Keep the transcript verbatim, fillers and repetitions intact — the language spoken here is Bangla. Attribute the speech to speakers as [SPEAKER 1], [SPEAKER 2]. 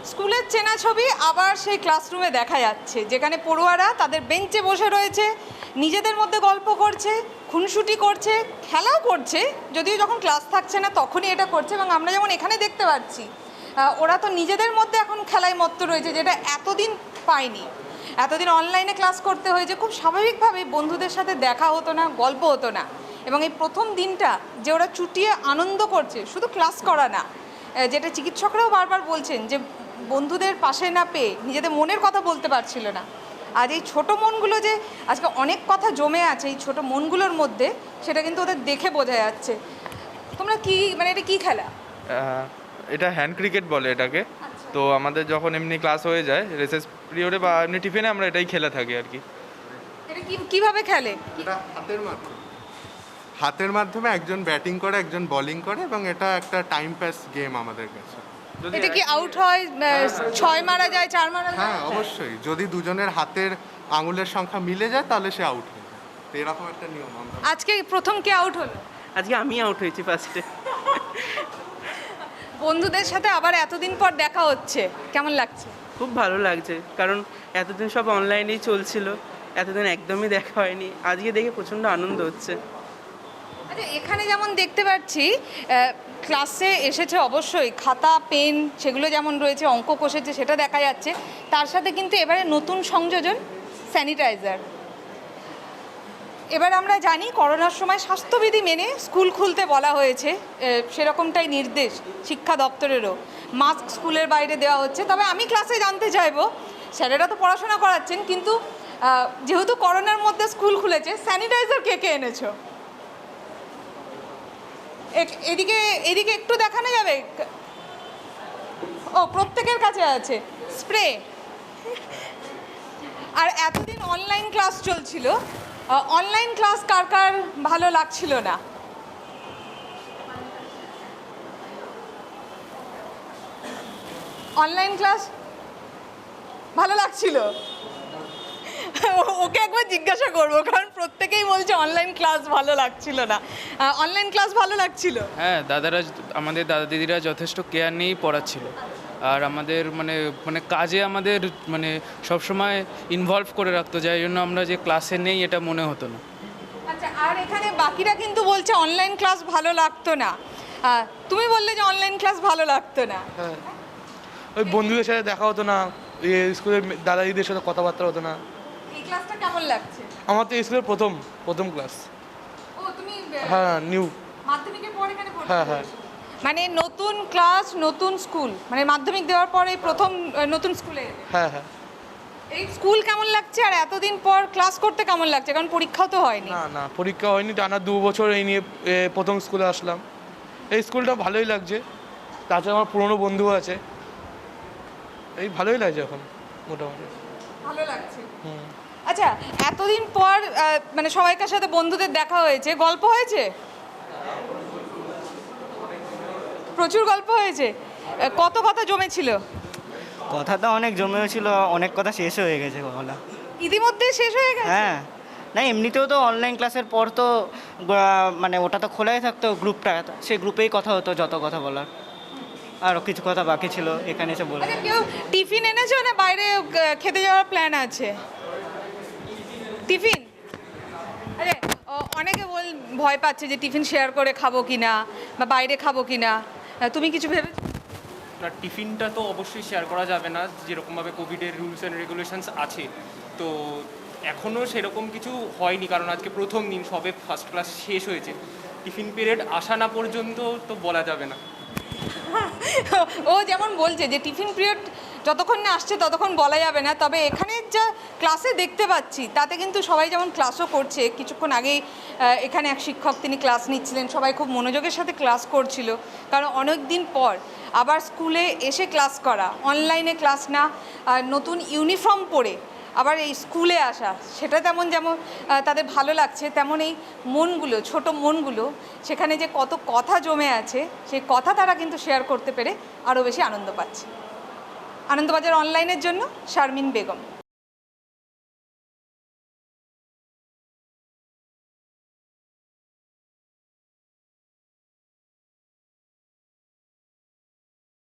[SPEAKER 1] স্কুলের চেনা ছবি আবার সেই ক্লাসরুমে দেখা যাচ্ছে, যেখানে পড়ুয়ারা তাদের বেঞ্চে বসে রয়েছে, নিজেদের মধ্যে গল্প করছে, খুনসুটি করছে, খেলাও করছে, যদিও যখন ক্লাস থাকছে না তখনই এটা করছে। এবং আমরা যেমন এখানে দেখতে পাচ্ছি, ওরা তো নিজেদের মধ্যে এখন খেলায় মত্ত রয়েছে, যেটা এতদিন পায়নি। এতদিন অনলাইনে ক্লাস করতে হয়েছে, খুব স্বাভাবিকভাবে বন্ধুদের সাথে দেখা হতো না, গল্প হতো না। এবং এই প্রথম দিনটা যে ওরা চুটিয়ে আনন্দ করছে, শুধু ক্লাস করা না, যেটা চিকিৎসকরাও বারবার বলছেন যে বন্ধুদের পাশে না পেয়ে নিজেদের মনের কথা বলতে পারছিল না। আর এই ছোটো মনগুলো যে আজকে অনেক কথা জমে আছে এই ছোটো মনগুলোর মধ্যে, সেটা কিন্তু ওদের দেখে বোঝা যাচ্ছে। তোমরা কি মানে এটা কি খেলা?
[SPEAKER 2] এটা হ্যান্ড ক্রিকেট বলে এটাকে। তো আমাদের যখন এমনি ক্লাস হয়ে যায় রেসেস পিরিয়ডে বা এমনি টিফিনে আমরা এটাই খেলে থাকি আর কি।
[SPEAKER 1] এটা কি কিভাবে খেলে?
[SPEAKER 3] এটা হাতের মাধ্যমে হাতের মাধ্যমে একজন ব্যাটিং করে একজন বোলিং করে এবং এটা একটা টাইম পাস গেম আমাদের কাছে।
[SPEAKER 1] এটা কি আউট হয়, ছয় মারা যায়, চার মারা যায়?
[SPEAKER 3] হ্যাঁ অবশ্যই, যদি দুজনের হাতের আঙুলের সংখ্যা মিলে যায় তাহলে সে আউট হয়ে যায়। তো এরকম একটা নিয়ম আমরা।
[SPEAKER 1] আজকে প্রথম কে আউট হলো?
[SPEAKER 4] আজকে আমি আউট হয়েছি ফার্স্টে।
[SPEAKER 1] বন্ধুদের সাথে আবার এতদিন পর দেখা হচ্ছে, কেমন লাগছে?
[SPEAKER 4] খুব ভালো লাগছে, কারণ এতদিন সব অনলাইনেই চলছিল, এতদিন একদমই দেখা হয়নি। আজকে দেখে প্রচণ্ড আনন্দ হচ্ছে।
[SPEAKER 1] আচ্ছা, এখানে যেমন দেখতে পাচ্ছি ক্লাসে এসেছে অবশ্যই খাতা পেন সেগুলো যেমন রয়েছে, অঙ্ক কষেছে সেটা দেখা যাচ্ছে, তার সাথে কিন্তু এবারে নতুন সংযোজন স্যানিটাইজার। এবার আমরা জানি করোনার সময় স্বাস্থ্যবিধি মেনে স্কুল খুলতে বলা হয়েছে, সেরকমটাই নির্দেশ শিক্ষা দপ্তরেরও। মাস্ক স্কুলের বাইরে দেওয়া হচ্ছে। তবে আমি ক্লাসে জানতে চাইবো, স্যারেরা তো পড়াশোনা করাচ্ছেন, কিন্তু যেহেতু করোনার মধ্যে স্কুল খুলেছে, স্যানিটাইজার কে কে এনেছো? এদিকে এদিকে একটু দেখানো যাবে? ও, প্রত্যেকের কাছে আছে স্প্রে। আর এতদিন অনলাইন ক্লাস চলছিল, অনলাইন ক্লাস কার কার ভালো লাগছিল না? অনলাইন ক্লাস ভালো লাগছিল? ওকে একবার জিজ্ঞাসা করবো, কারণ প্রত্যেকেই বলছে অনলাইন ক্লাস ভালো লাগছিল না। অনলাইন ক্লাস ভালো লাগছিল?
[SPEAKER 5] হ্যাঁ, দাদারা আমাদের দাদা দিদিরা যথেষ্ট কেয়ার নিয়েই পড়াচ্ছিল। আর আমাদের মানে মানে কাজে আমাদের মানে সবসময় ইনভলভ করে রাখতো, যাই জন্য আমরা যে ক্লাসে নেই এটা মনে হতো না।
[SPEAKER 1] আচ্ছা, আর এখানে বাকিরা কিন্তু বলছে অনলাইন ক্লাস ভালো লাগতো না। তুমি বললে যে অনলাইন ক্লাস ভালো লাগতো না।
[SPEAKER 6] হ্যাঁ, ওই বন্ধুদের সাথে দেখা হতো না, স্কুলের দাদা দিদিদের সাথে কথাবার্তা হতো না।
[SPEAKER 1] এই ক্লাসটা কেমন লাগছে?
[SPEAKER 6] আমার তো স্কুলের প্রথম প্রথম ক্লাস।
[SPEAKER 1] ও, তুমি
[SPEAKER 6] হ্যাঁ, নিউ
[SPEAKER 1] মাধ্যমিকের পর এখানে পড়তে?
[SPEAKER 6] হ্যাঁ হ্যাঁ।
[SPEAKER 1] মানে নতুন ক্লাস নতুন স্কুল, মানে মাধ্যমিক দেওয়ার পরে প্রথম নতুন স্কুলে?
[SPEAKER 6] হ্যাঁ হ্যাঁ।
[SPEAKER 1] এই স্কুল কেমন লাগছে আর এতদিন পর ক্লাস করতে কেমন লাগছে? কারণ পরীক্ষাও তো হয়নি।
[SPEAKER 6] না না, পরীক্ষা হয়নি, টানা দু বছর এই নিয়ে প্রথম স্কুলে আসলাম। এই স্কুলটা ভালোই লাগছে, তাছাড়া আমার পুরনো বন্ধু আছে, এই ভালোই লাগছে এখন মোটামুটি।
[SPEAKER 1] ভালো লাগছে।
[SPEAKER 6] হুম।
[SPEAKER 1] আচ্ছা, এতদিন পর মানে সবাইকার সাথে বন্ধুদের দেখা হয়েছে, গল্প হয়েছে? প্রচুর গল্প হয়েছে। কত কথা জমেছিল?
[SPEAKER 7] কথা তো অনেক জমেও ছিল, অনেক কথা শেষ হয়ে গেছে বলা।
[SPEAKER 1] ইতিমধ্যে শেষ হয়ে গেছে?
[SPEAKER 7] হ্যাঁ, না এমনিতেও তো অনলাইন ক্লাসের পর তো মানে ওটা তো খোলাই থাকতো গ্রুপটা, সেই গ্রুপেই কথা হতো যত কথা বলার। আর কিছু কথা বাকি ছিল এখানে এসে বলে।
[SPEAKER 1] আচ্ছা, কেউ টিফিন এনেছো না বাইরে খেতে যাওয়ার প্ল্যান আছে? টিফিন? আরে অনেকে বল ভয় পাচ্ছে যে টিফিন শেয়ার করে খাবো কিনা বা বাইরে খাবো কিনা, তুমি কিছু ভেবেছো?
[SPEAKER 8] না, টিফিনটা তো অবশ্যই শেয়ার করা যাবে না, যেরকমভাবে কোভিডের রুলস অ্যান্ড রেগুলেশনস আছে। তো এখনও সেরকম কিছু হয়নি, কারণ আজকে প্রথম দিন, সবে ফার্স্ট ক্লাস শেষ হয়েছে। টিফিন পিরিয়ড আসা না পর্যন্ত তো বলা যাবে না।
[SPEAKER 1] ও যেমন বলছে যে টিফিন পিরিয়ড যতক্ষণ না আসছে ততক্ষণ বলা যাবে না। তবে এখানে যা ক্লাসে দেখতে পাচ্ছি তাতে কিন্তু সবাই যেমন ক্লাসও করছে, কিছুক্ষণ আগেই এখানে এক শিক্ষক তিনি ক্লাস নিচ্ছিলেন, সবাই খুব মনোযোগের সাথে ক্লাস করছিল, কারণ অনেক দিন পর আবার স্কুলে এসে ক্লাস করা, অনলাইনে ক্লাস না, নতুন ইউনিফর্ম পরে আবার এই স্কুলে আসা, সেটা তেমন যেমন তাদের ভালো লাগছে, তেমন এই মনগুলো, ছোট মনগুলো, সেখানে যে কত কথা জমে আছে সেই কথা তারা কিন্তু শেয়ার করতে পেরে আরও বেশি আনন্দ পাচ্ছে। আনন্দবাজার অনলাইনের জন্য শারমিন বেগম।